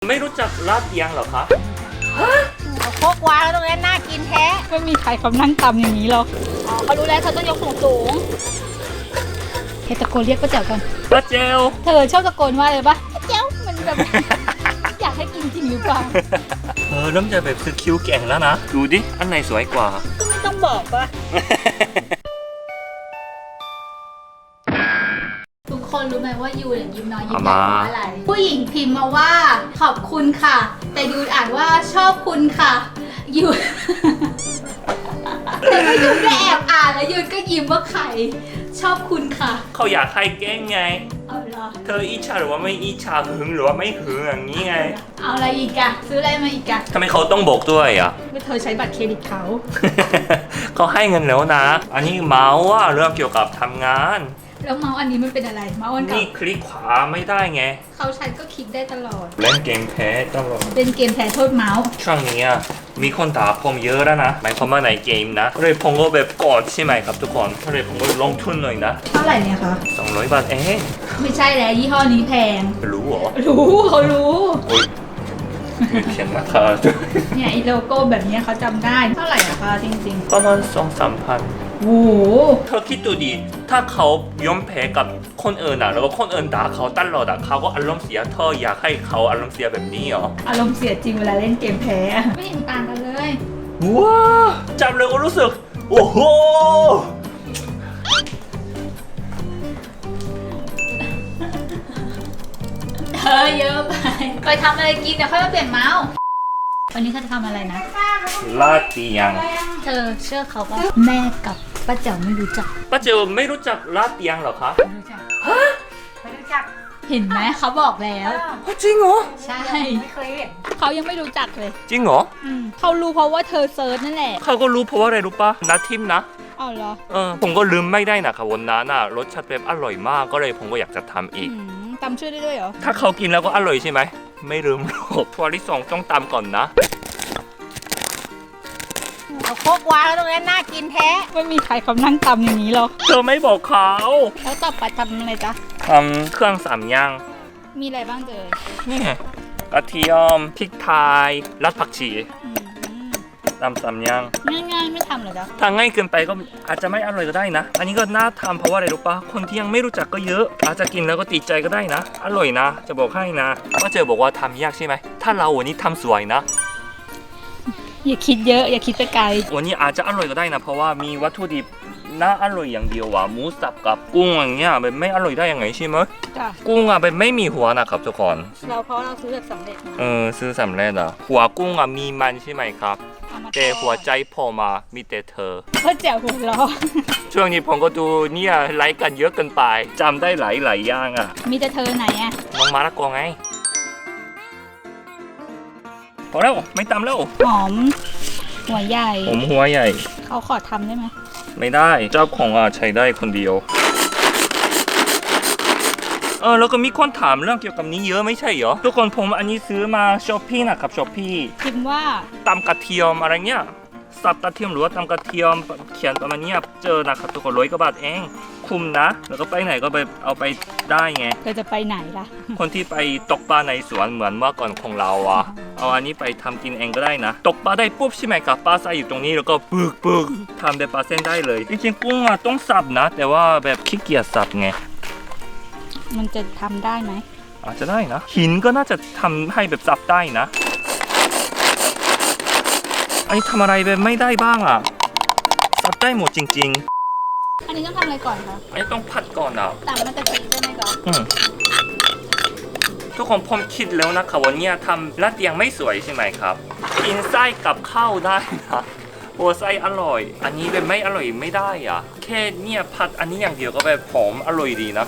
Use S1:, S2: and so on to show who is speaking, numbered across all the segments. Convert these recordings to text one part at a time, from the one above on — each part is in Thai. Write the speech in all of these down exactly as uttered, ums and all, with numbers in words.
S1: ไม่รู้จักลาดเตียงเหรอคะ
S2: เอาโคกวางแล้วตรงนั้นน่ากินแท้
S3: ไม่มีใครเขานั่งตำอย่างนี้หรอก
S2: อ๋อเขารู้แล้วเขาต้องยกสูงสูง
S3: เฮ้ตะโกนเรียกป้าแจ๋วกัน
S1: ป้าเจล
S3: เธอชอบตะโกนว่าอะไรปะป้าแจ๋วมันแบบ อยากให้กินจริงหรือเปล่า
S1: เออเริ่มจะแบบซื้อคิ้วแก่งแล้วนะดูดิอันไหนสวยกว่า
S2: ก็ไม่ต้องบอกปะ
S3: ทุกคนรู้ไหมว่ายูเนี่ยยิ้มน้อยยิ้มใหญ่เพราะอะไรผู้หญิงพิมพ์มาว่าขอบคุณค่ะแต่ยูอ่านว่าชอบคุณค่ะยูแต่ว่ายูก็แอบอ่านแล้วยูก็ยิ้มว่าใครชอบคุณค่ะ
S1: เขาอยากให้แกล้งไง
S3: เอาเหรอ
S1: เธออิจฉาหรือว่าไม่อิจฉาหึงหรือว่าไม่หึงอย่างนี้ไง
S3: เอาอะไรอีกอะซื้ออะไรมาอีกอะ
S1: ทำไมเขาต้องบอกด้วยอ่ะ
S3: ว่าเธอใช้บัตรเครดิตเขา
S1: เขาให้เงินแล้วนะอันนี้เมาส์ว่าเรื่องเกี่ยวกับทำงาน
S3: แล้วเมาส์อันนี้มันเป็นอะไรเมาส์อันเก่า
S1: นี่คลิกขวาไม่ได้ไง
S3: เขาใช้ก็คลิกได้ตลอด
S1: เล่นเกมแพ้ตลอด
S3: เล่นเกมแพ้โทษเมาส์
S1: ช่วงนี้มีคนด่าผมเยอะแล้วนะหมายความว่าในเกมนะเลยผมก็แบบกดใช่ไหมครับทุกคนเลยผมก็ลงทุนหน่อยนะ
S3: เท่าไหร่เนี่ยคะ
S1: สองร้อยบาทเอง
S3: ไม่ใช่แล้วยี่ห้อนี้แพง
S1: รู้เหรอ
S3: รู้เขารู้
S1: มีเขียนราคา
S3: เนี่ยไอโลโก้แบบนี้เขาจำได้เท่าไหร่อะคะจริง
S1: ๆประมาณสองสามพัน
S3: โอ้โห
S1: เธอคิดดูดิถ้าเขายอมแพ้กับคนอื่นอ่ะแล้วก็คนอื่นด่าเขาตลอดอ่ะเขาก็อารมณ์เสียเธออยากให้เขาอารมณ์เสียแบบนี้เหรอ
S3: อารมณ์เสียจริงเวลาเล่นเกมแพ้ไม่เห็นต่างกันเลย
S1: ว้าจับเลยก็รู้สึกโอ้โห
S3: เธอเยอะไปไปทำอะไรกินเดี๋ยวค่อยมาเปลี่ยนเมาส์วันนี้เขาจะทำอะไรนะ
S1: ลาดเตียง
S3: เธอเชื่อเขาป่ะแม่กับป้าเจ๋วไม่รู้จัก
S1: ป้าเจ๋วไม่รู้จักลาดเตียงเหรอคะ
S3: ไม่รู้จัก
S2: ฮะไม่รู้จัก
S3: เห็นไหมเขาบอกแล้ว
S1: จริงเหรอ
S3: ใช่
S2: ไม่เคยเห็น
S3: เขายังไม่รู้จักเลย
S1: จริงเหรอ
S3: อืมเขารู้เพราะว่าเธอเซิร์ชนั่นแหละ
S1: เขาก็รู้เพราะว่าอะไรรู้ปะนัดทิมนะ
S3: อ๋อเหรอ
S1: เออผมก็ลืมไม่ได้นะครับวันนั้นน่ะรสชาติแบบอร่อยมากก็เลยผมก็อยากจะทำอีก
S3: ตำช่วยได้ด้วยเหรอ
S1: ถ้าเขากินแล้วก็อร่อยใช่ไหมไม่ลืมหรอกทัวร์ที่สองต้องตำก่อนนะ
S2: เอาโคกวางแล้วตรงนั้นน่ากินแท้
S3: ไม่มีใครเขานั่งตำอย่างนี้หรอก
S1: เธอไม่บอกเขา
S3: แล้วต่อไปทำอะไรจ๊ะ
S1: ทำเครื่องสามอย่าง
S3: มีอะไรบ้างเจอ
S1: นี่กระเทียมพริกไทยรากผักชีตำสามอย่าง
S3: ง่ายๆไม่ทำเลยจ๊ะ
S1: ถ้าง่ายเกินไปก็อาจจะไม่อร่อยก็ได้นะอันนี้ก็น่าทำเพราะว่าอะไรรู้ปะคนที่ยังไม่รู้จักก็เยอะอาจจะกินแล้วก็ติดใจก็ได้นะอร่อยนะจะบอกให้นะว่าเจอบอกว่าทำยากใช่ไหมถ้าเราวันนี้ทำสวยนะ
S3: อย่าคิดเยอะอย่าคิดไปไกล
S1: วันนี้อาจจะอร่อยก็ได้นะเพราะว่ามีวัตถุดิบน่าอร่อยอย่างเดียวว่ะหมูสับกับกุ้งอย่างเงี้ยแบบไม่อร่อยได้ยังไงใช่ไหม
S3: จ้ะ
S1: กุ้งอ่ะแบบไม่มีหัวนะครับทุกคน
S3: เราเพราะเราซื้อแบบสำเร็จ
S1: เออซื้อสำเร็จอ่ะหัวกุ้งอ่ะมีมันใช่ไหมครับแต่หัวใจพอมามีแต่เธอ
S3: เพื่อแจ๋วหัวเราะ
S1: ช่วงนี้ผมก็ดูเนี่ยไลค์กันเยอะเกินไปจำได้หลายหลายอย่างอ่ะ
S3: มีแต่เธอไหนอ่ะ
S1: น้องมาละกอไงพอแล้วไม่ตำแล้ว
S3: หอมหัวใหญ่
S1: ผมหัวใหญ่
S3: เขาขอทำได้ไหม
S1: ไม่ได้เจ้าของอ่ะใช้ได้คนเดียวเออแล้วก็มีคนถามเรื่องเกี่ยวกับนี้เยอะไม่ใช่เหรอทุกคนผมอันนี้ซื้อมาช้อปปี้นะครับช้อปปี้
S3: พิมพ์ว่า
S1: ตำกระเทียมอะไรเงี้ยสับกระเทียมหรือว่าตำกระเทียมเขียนประมาณนี้เจอนะครับทุกคนร้อยกว่าบาทเองคุ้มนะแล้วก็ไปไหนก็ไปเอาไปได้ไง
S3: เธอจะไปไหนล่ะ
S1: คนที่ไปตกปลาในสวนเหมือนเมื่อก่อนของเราอ่ะเอาอันนี้ไปทำกินเองก็ได้นะตกปลาได้ปุ๊บใช่ไหมครับปลาใส่อยู่ตรงนี้แล้วก็ปึกปึกทำได้ปลาเส้นได้เลยจริงๆกุ้งอ่ะต้องสับนะแต่ว่าแบบขี้เกียจสับไง
S3: มันจะทำได้ไหม
S1: อาจจะได้นะหินก็น่าจะทำให้แบบสับได้นะอันนี้ทำอะไรแบบไม่ได้บ้างอ่ะสับได้หมดจริง
S3: ๆอันนี้ต้องทำอะไรก่อนคะ
S1: อันนี้ต้องผัดก่อนอ่ะ
S3: ตำมันจะกินใช่ไหมคะ
S1: อืมทุกคนผมคิดแล้วนะครับวันนี้ทำลาดเตียงไม่สวยใช่ไหมครับกินไส้กับข้าวได้นะโอ้ไส้อร่อยอันนี้แบบไม่อร่อยไม่ได้อ่ะแค่เนี่ยผัดอันนี้อย่างเดียวก็แบบหอมอร่อยดีนะ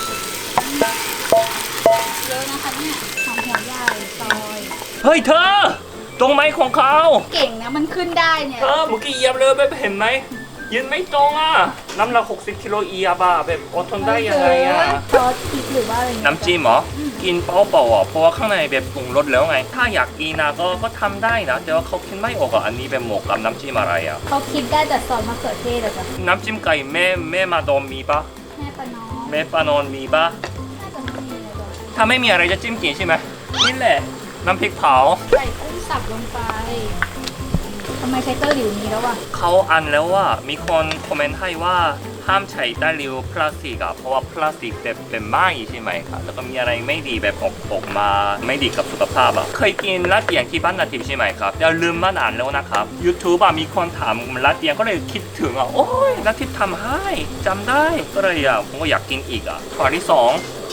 S3: เยอะนะคะเนี่ยหอมหัวใหญ่ซอย
S1: เฮ้ยเธอตรงไหมของเขา
S3: เก่งนะมันขึ้นได้เนี่ย
S1: เธอเมื่อกี้เหยียบเลยแบบเห็นไหมยืนไม่ตรงอ่ะน้ำหนักหกสิบกิโลเอียบอ่ะแบบอดทนได้ยังไงอ่ะ
S3: ซอสพริกหรือว่าอะไร
S1: น้ำจิ้มเหรอกินเปล่าๆอ่ะเพราะว่าข้างในแบบปรุงรสแล้วไงถ้าอยากกินนะก็ก็ทำได้นะแต่ว่าเขาคิดไม่ออกอ่ะอันนี้เป็นหมกกับน้ำจิ้มอะไรอ่ะ
S3: เขาคิดได้แต่ซอสมะเขือเทศอะจ้ะ
S1: น้ำจิ้มไก่แม่แม่มาดอมมีปะ
S3: แม่ปานอน
S1: แม่ปานอนมีปะถ้าไม่มีอะไรจะจิ้มกินใช่ไหมนี่แหละน้ำพริกเผา
S3: ใส่กุ้งสับลงไปทำไมใช้เตอร์หลิวนี้แล้ววะ
S1: เขาอันแล้วว่ามีคนคอมเมนต์ให้ว่าห้ามใช้ตะหลิวพลาสติกอะเพราะว่าพลาสติกเป็นเป็นไหม้ใช่ไหมครับแล้วก็มีอะไรไม่ดีแบบออกออกมาไม่ดีกับสุขภาพอะเคยกินลาดเอียงที่บ้านนาทิพย์ใช่ไหมครับอย่าลืมมานานแล้วนะครับ YouTube อะมีคนถามลาดเอียงก็เลยคิดถึงอะโอ้ยนาทิพย์ทำให้จำได้ก็เลยอะผมก็อยากกินอีกอะข้อที่สอง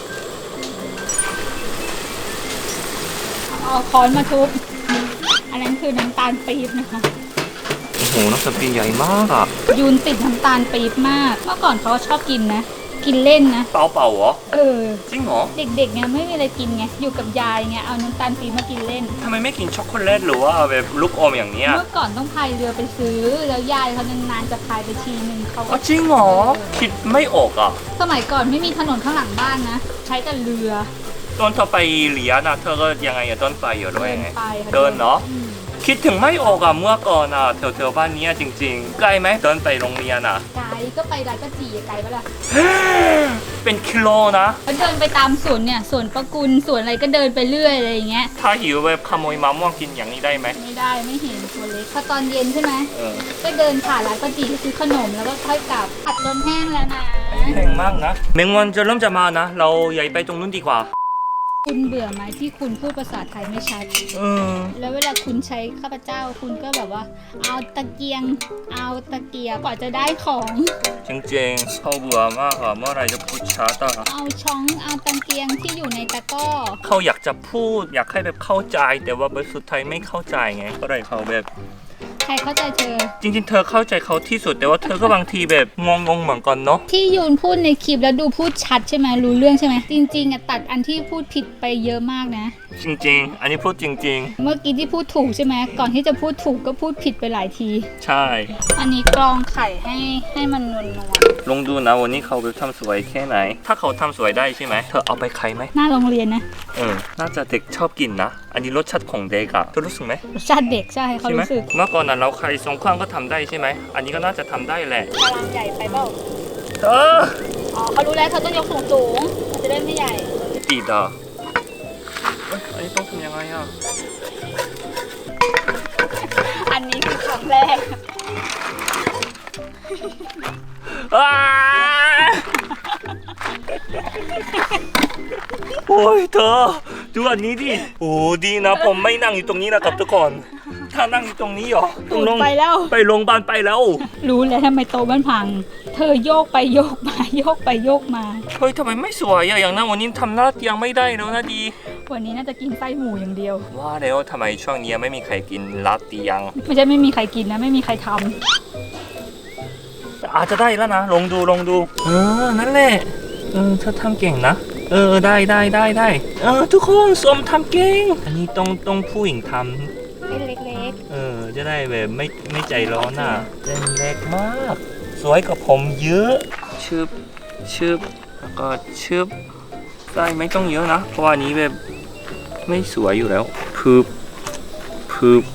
S3: เอาค้อนมาทุบอันนั้นคือน้ำตาลปี๊บนะคะ
S1: โอ้โหน้ำสปีนใหญ่มากอะ
S3: ยูนติดน้ำตาลปี๊บมากเมื่อก่อนเขาชอบกินนะ กินเล่นนะ
S1: เปล่าเปล่าเหรอ
S3: เออ
S1: จริงเหรอ
S3: เด็กๆไงไม่มีอะไรกินไงอยู่กับยายไงเอาน้ำตาลปี๊บมากินเล่น
S1: ทำไมไม่กินช็อกโกแลตหรือว่าแบบลูกอมอย่างเนี้ย
S3: เมื่อก่อนต้องพายเรือไปซื้อ แล้วยายเขานานๆจะพายไปทีนึงเขา
S1: อ๋อจริงเหรอคิดไม่ออกอะ
S3: สมัยก่อนไม่มีถนนข้างหลังบ้านนะ ใช้แต่เรือ
S1: ตอนเธอไปเรียนนะเธอก็ยังไงอะต้นไปอยู่ด้วยไง
S3: ไป
S1: เดินเนาะ
S3: อืม
S1: คิดถึงไม่ออกอะเมื่อก่อนอะแถวๆบ้านเนี้ยจริงๆไกลไหมเดินไปโรงเรียนอะ
S3: ไกลก็ไปร้านก็จีไกลปะล่ะ
S1: เป็นกิโลนะ
S3: ก็เดินไปตามสวนเนี่ยสวนประกุลสวนอะไรก็เดินไปเรื่อยอะไรอย่างเงี้ย
S1: ถ้าหิวแบบขโมยมะม่วงกินอย่างนี้ได้ไหม
S3: ไม่ได้ไม่เห็นตัวเล็กพอตอนเย็นใช่ไหม
S1: เออ
S3: ก็เดินผ่านร้านป้าจีซื้อขนมแล้วก็ค่อยกลับผัดจนแห้งแล้วนะ
S1: แพงมากนะแมงวันจะเริ่มจะมานะ เราใหญ่ไปตรงนู้นดีกว่า
S3: คุณเบื่อไหมที่คุณพูดภาษาไทยไม่ชัด
S1: เออ
S3: แล้วเวลาคุณใช้ข้าพเจ้าคุณก็แบบว่า เอาตะเกียง เอาตะเกียบกว่าจะได้ของ
S1: จริงๆเขาเบื่อมากอะเมื่อไหรจะพูดช้าตา
S3: เอาช้องเอาตะเกียงที่อยู่ในตะกร้อ
S1: เขาอยากจะพูดอยากให้แบบเข้าใจ แต่ว่าแบบสุดท้ายไม่เข้าใจไงก็เลยเขาแบบ
S3: ใครเข้าใจเธอ
S1: จริงๆ เธอเข้าใจเขาที่สุดแต่ว่าเธอก็บางทีแบบงงๆเหมือนกันเนาะ
S3: ที่ยูนพูดในคลิปแล้วดูพูดชัดใช่ไหมรู้เรื่องใช่ไหมจริงๆอะตัดอันที่พูดผิดไปเยอะมากนะ
S1: จริงๆ อันนี้พูดจริง
S3: เมื่อกี้ที่พูดถูกใช่ไหมก่อนที่จะพูดถูกก็พูดผิดไปหลายที
S1: ๆ ใช่
S3: อันนี้กรองไข่ให้ให้มันนวลนวล
S1: ลองดูนะวันนี้เขาแบบทำสวยแค่ไหน ถ้าเขาทำสวยได้ใช่ไหมเธอเอาไปขายไหม
S3: หน้าโรงเรียนนะ
S1: เออน่าจะเด็กชอบกินนะ อันนี้รสชาติของเด็กอะเธอรู้สึกไหม
S3: รสชาติเด็กใช่เขา
S1: ใช่ไหม
S3: รู้สึก
S1: เมื่อก่อนน่ะเราใครสองข้างก็ทำได้ใช่ไหมอันนี้ก็น่าจะทำได้แหละ
S3: พลังใหญ่ไปเปล่า
S1: เธอ
S3: อ๋อเขารู้แล้วเขาต้องยกสูงสูงๆมันจะได้ไม่ใหญ่
S1: ติดอ่ะเอ้ยอันนี้ต้องทำยังไงอ่ะ
S3: อันนี้คือครั้งแรก
S1: อ้าโอ้ยเธอดูอันนี้ดิโอ้ดีนะผมไม่นั่งอยู่ตรงนี้นะครับทุกคนถ้านั่งอยู่ตรงนี้เหรอต้องลง
S3: ไปแล้ว
S1: ไปโรงพยาบาลไปแล้ว
S3: รู้แล้วทำไมโต๊ะมันพัง เธอโยกไปโยกมาโยกไปโยกมา
S1: เฮ้ยทำไมไม่สวยอะอย่างนั้นวันนี้ทำหน้าเตียงไม่ได้แล้วนะดี
S3: วันนี้น่าจะกินไส้หมูอย่างเดียว
S1: ว่าแล้วทำไมช่วงนี้ไม่มีใครกินลาดเตียง
S3: ไม่ใช่ไม่มีใครกินนะ ไม่มีใครทำ
S1: อาจจะได้แล้วนะลองดูลองดูเออนั่นแหละเออเธอทำเก่งนะเออได้ได้ได้ได้เออทุกคนสมทำเก่งอันนี้ต้องต้องผู้หญิงทำ
S3: เล็ก
S1: เออจะได้แบบไม่ไม่ใจร้อนอ่ะเส้นเล็กมาก สวยกว่าผมเยอะชึบชึบแล้วก็ชึบไส้ไม่ต้องเยอะนะเพราะว่านี้แบบไม่สวยอยู่แล้วพึบพึบ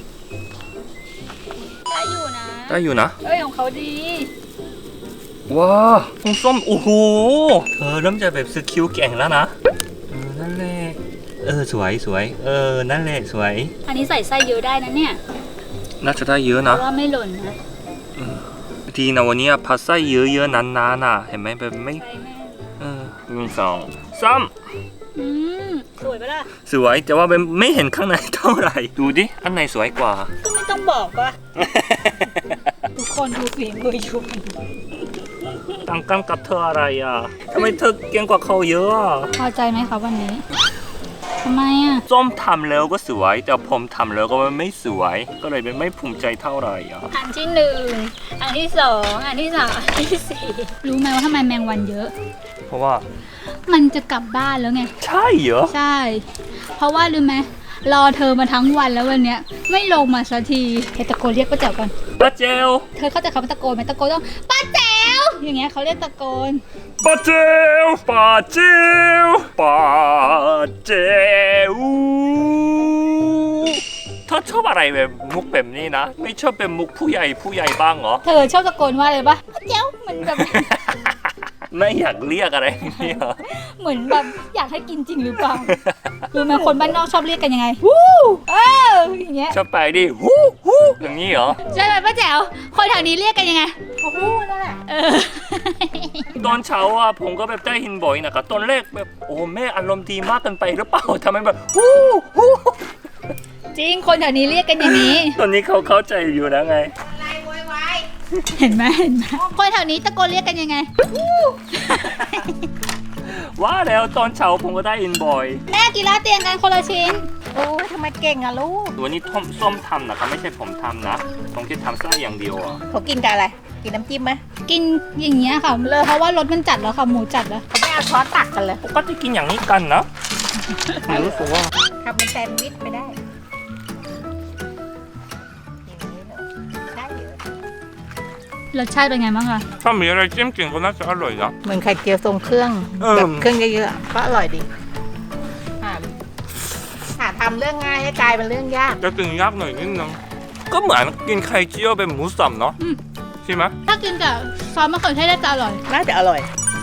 S3: ๆได้อยู่นะ
S1: ได้อยู่นะ
S3: เอ้ยของเขาดี
S1: ว้าของส้มโอ้โหเธอเริ่มจะแบบสกิลเก่งแล้วนะเออนั่นแหละเออสวยสวยเออนั่นแหละสวย
S3: อันนี้ใส่ไส้เยอะได้นะเนี่ย
S1: น่าจะได้เยอะ
S3: เพ
S1: นะ
S3: ราะว่าไม่หล่นนะ
S1: ทีนะวันนี้ผัดไส้เยอะๆนานๆน่ะเห็นไหมแบบไม่
S3: ใช่แม่
S1: เออหนึ่งสองสาม
S3: อืมสวยปะล่ะ
S1: สวยแต่ว่าแบบไม่เห็นข้างในเท่าไหร่ดูดิอันไหนสวยกว่า
S3: ก็ไม่ต้องบอกว่า ทุกคนดูฝีมืออยู่
S1: ต่างกันกับเธออะไรอ่ะทำไมเธอเก่งกว่าเขาเยอะอ่ะ
S3: พอใจไหมคะวันนี้ทำไมอ่ะ
S1: ส้มทำแล้วก็สวยแต่ผมทำแล้วก็ไม่สวย ก็เลยไม่ภูมิใจเท่าไหร่อ่ะ
S3: อันที่หนึ่งอันที่สองอันที่สามอันที่สี่รู้ไหมว่าทำไมแมงวันเยอะ
S1: เพราะว่า
S3: มันจะกลับบ้านแล้วไง
S1: ใช่เหรอ
S3: ใช่ เพราะว่ารู้ไหมรอเธอมาทั้งวันแล้ววันเนี้ยไม่ลงมาสักทีเธอตะโกนเรียกป้าแจ๋วก่อน
S1: ป้าเจล
S3: เธอเข้าใจคำว่าตะโกนไหมตะโกนต้องป้าแจ๋วอย่างเงี้ยเขาเรียกตะโกน
S1: ป้าเจลป้าเจลป้าเจลเธอชอบอะไรแบบมุกแบบนี้นะ ไม่ชอบเป็นมุกผู้ใหญ่ผู้ใหญ่บ้างเหรอ
S3: เธอชอบตะโกนว่าอะไรปะป้าแจ๋วมันแบบ
S1: นไม่อยากเรียกอะไรนี่เหรอ
S3: เหมือนแบบอยากให้กินจริงหรือเปล่า รู้ไหมคนบ้านนอกชอบเรียกกันยังไงวู้เอออย่างเงี้ย
S1: ชอบไปดิฮู้ฮู้อย่างนี้เหรอ
S3: ใช่ไหมป้าแจ๋วคนแถวนี้เรียกกันยังไง
S2: โอ้โหนั่นแหละ
S3: เออ
S1: ตอนเช้าอ่ะผมก็แบบได้ยินบ่อยนะครับตอนแรกแบบโอ้แม่อารมณ์ดีมากเกินไปหรือเปล่าทำไมแบบฮู้ฮู้
S3: จริงคนแถวนี้เรียกกันอย่างนี้
S1: ตอนนี้เขาเข้าใจอยู่แล้วไง
S2: อะไรโวยวาย
S3: เห็นไหมเห็นไหมคนแถวนี้ตะโกนเรียกกันยังไง
S1: ว่าแล้วตอนเช้าผมก็ได้ยินบ่อย
S3: แม่กินลาดเตียงกันคนละชิ้น
S2: โอ้ยทำไมเก่งอะลูก
S1: วันนี้ท่อมส้มทำนะครับไม่ใช่ผมทำนะผมแค่ทำไส้อย่างเดียวอ่ะ
S2: เขากินกับอะไร กินน้ำจิ้มไหม
S3: กินอย่างเงี้ยค่ะเลยเพราะว่ารสมันจัดแล้วค่ะหมูจัดแล้ว
S2: เขาไม่เอาช้อนตักกันเลย
S1: ปกติกินอย่างนี้กันนะรู้สึกว่า
S2: ทำเป็นแซนด์วิชไม่ได้อย่างนี้เหรอได้เยอะ
S3: รสชาติเป็นไงบ้างคะ
S1: ถ้ามีอะไรจิ้มกินก็น่าจะอร่อยนะ
S2: เหมือนไข่เจียวทรงเครื่อง
S1: เออ
S2: แบบเครื่องเยอะๆก็อร่อยดีหาหาทำเรื่องง่ายให้กลายเป็นเรื่องยาก
S1: จะตึงยากหน่อยนิดนึงก็เหมือนกินไข่เจียวเป็นหมูสับเนาะใช่ไหม
S3: ถ้ากินกับซอสมะเขือเทศน่าจะอร่อย
S2: น่าจะอร่อย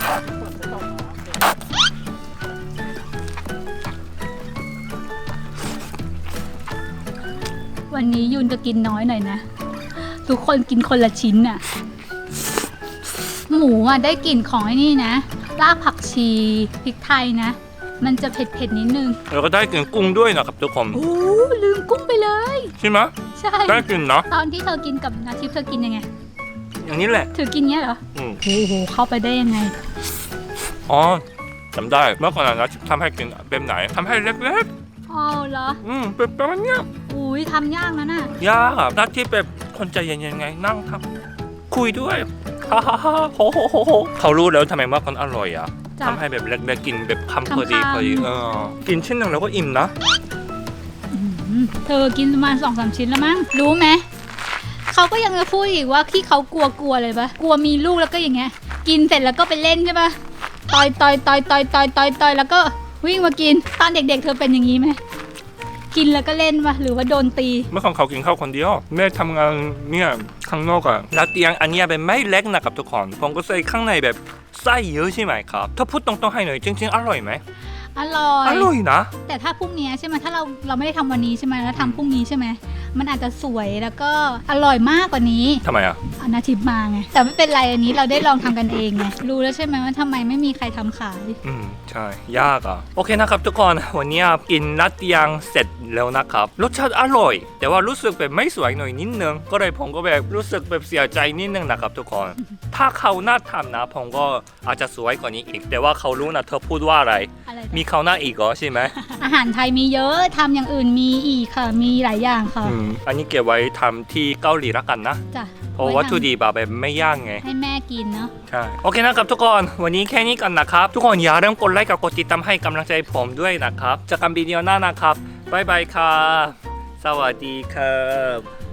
S3: วันนี้ยุนจะกินน้อยหน่อยนะ ทุกคนกินคนละชิ้นน่ะ หมูอ่ะได้กลิ่นของไอ้นี่นะรากผักชีพริกไทยนะ มันจะเผ็ดๆนิดนึง
S1: แล้วก็ได้กินกุ้งด้วยนะครับทุกคน
S3: โอ้ลืมกุ้งไปเลย
S1: ใช่ไหม
S3: ใช่
S1: ได้กินเนาะ
S3: ตอนที่เธอกินกับนาทิพย์เธอกินยังไง
S1: อย่างนี้แหละ
S3: ถือกินเงี้ยเหรอ
S1: อืม
S3: โอ้โหเข้าไปได้ยังไง
S1: อ๋อจำได้เมื่อก่อนนะทำให้กินแบบไหนทำให้เล็ก
S3: อ๋อเหรอ
S1: ๆอืมเป็นประมาณเนี้ย
S3: อุ้ยทำยากนะน่ะ
S1: ยากอะหน้าที่แบบคนใจเย็นๆไงนั่งทำคุยด้วยฮ่าฮ่าฮ่าโหโหโหโหเขารู้แล้วทำไมว่ามันอร่อยอ่ะ
S3: จ้ะ
S1: ทำให้แบบเล็กๆกินแบบคำพอดี
S3: คำๆ
S1: พอดีเออกินชิ้นหนึ่งแล้วก็อิ่มนะ
S3: อืมเธอกินประมาณสองสามชิ้นแล้วมั้ง รู้ไหม เขาก็ยังจะพูดอีกว่าที่เขากลัวกลัวเลยปะกลัวมีลูกแล้วก็อย่างเงี้ย กินเสร็จแล้วก็ไปเล่นใช่ปะต่อยต่อยต่อยต่อยต่อยต่อยต่อยแล้วก็วิ่งมากิน ตอนเด็กๆเธอเป็นอย่างนี้ไหม กินแล้วก็เล่นปะหรือว่าโดนตี
S1: เมื่อก่อนเขากินข้าวคนเดียวแม่ทำงานเนี่ยข้างนอกอะแล้วเตียงอันเนี้ยเป็นไม่เล็กนะครับทุกคนผมก็ใส่ข้างในแบบไส้เยอะใช่ไหมครับถ้าพูดตรงๆให้หน่อยจริงๆอร่อยไหม
S3: อร่อย
S1: อร่อยนะ
S3: แต่ถ้าพรุ่งนี้ใช่ไหมถ้าเราเราไม่ได้ทำวันนี้ใช่ไหมแล้วทำพรุ่งนี้ใช่ไหมมันอาจจะสวยแล้วก็อร่อยมากกว่านี้
S1: ทำไมอะ
S3: เอานาทิพย์มาไงแต่ไม่เป็นไรอันนี้เราได้ลองทำกันเองไงรู้แล้วใช่ไหมว่าทำไมไม่มีใครทำขาย
S1: อืมใช่ยากอะโอเคนะครับทุกคนวันนี้กินนัดเตียงเสร็จแล้วนะครับรสชาติอร่อย แต่ว่ารู้สึกแบบไม่สวยหน่อยนิดนึงก็เลยผมก็แบบรู้สึกแบบเสียใจนิดนึงนะครับทุกคน ถ้าเขาหน้าทำนะผมก็อาจจะสวยกว่านี้อีก แต่ว่าเขารู้นะเธอพูดว่าอะไร
S3: อะไร
S1: มีเขาหน้าอีกเหรอใช่ไหม
S3: อาหารไทยมีเยอะทำอย่างอื่นมีอีกค่ะ มีหลายอย่างค่ะ
S1: อืมอันนี้เก็บไว้ทำที่เกาหลีละกันนะ
S3: จ้ะ
S1: เพราะวัตถุดิบอะแบบไม่ยากไง
S3: ให้แม่กินเนาะ
S1: ใช่ โอเคนะครับทุกคนวันนี้แค่นี้กันนะครับ ทุกคนอย่าลืมกดไลค์กับกดติดตามให้กำลังใจผมด้วยนะครับเจอกันวิดีโอหน้านะครับบ๊ายบายครับสวัสดีครับ